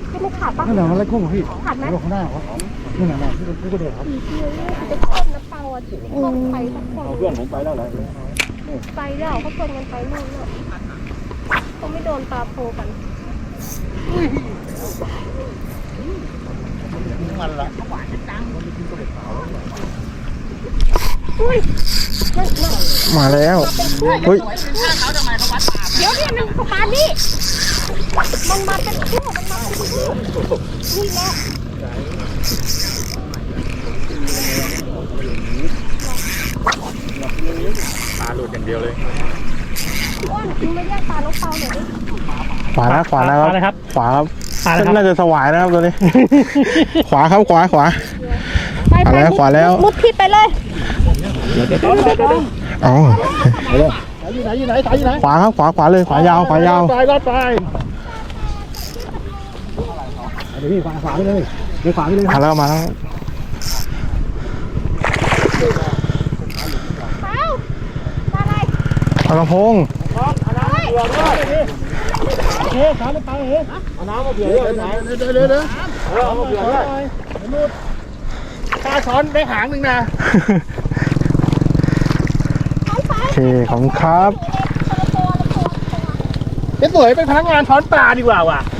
พี่ไม่ขาดปะนั่นแหละมันไล่กุ้งพี่ขาดไหมข้างหน้าครับนี่แหละที่กระโดดครับจะต้นน้ำเปล่าอ่ะถึงพวกใครสักคนเพื่อนผมไปแล้วแหละไปแล้วเขาชวนกันไปนู่นเนาะเขาไม่โดนปลาโพกันมันละอุ้ยนั่นมาแล้วเฮ้ยเดี๋ยวเนี่ยมันปลานี่มันมาเป็นคู่มันมาเป็นคู่นี่แหละปลาหลุดอย่างเดียวเลยอ้วนมึงไม่แยกปลาน้องเปาหน่อยดิขวานะขวานะครับขวาครับขวานะครับน่าจะสวายนะครับตัวนี้ ขวาครับขวาไปขวาแล้วมุดพิษไปเลยเอาอยู่ไหนสายอยู่ไหนขวาครับขวาเลยขวายาวไปรอดไปเดี๋ยวพี่ขวาไปเลยเดี๋ยวขวาไปเลยมาแล้วเปาปลาอะไรปลากระพงเฮ้ยขาไปเฮ้ยเอาน้ำมาเผื่อด้วยไหนเดี๋ยวเอามาเผื่อด้วยปลาช้อนได้หางหนึ่งนะโอเคขอบคุณครับสวยเป็นพนักงานช้อนปลาดีกว่าว่ะ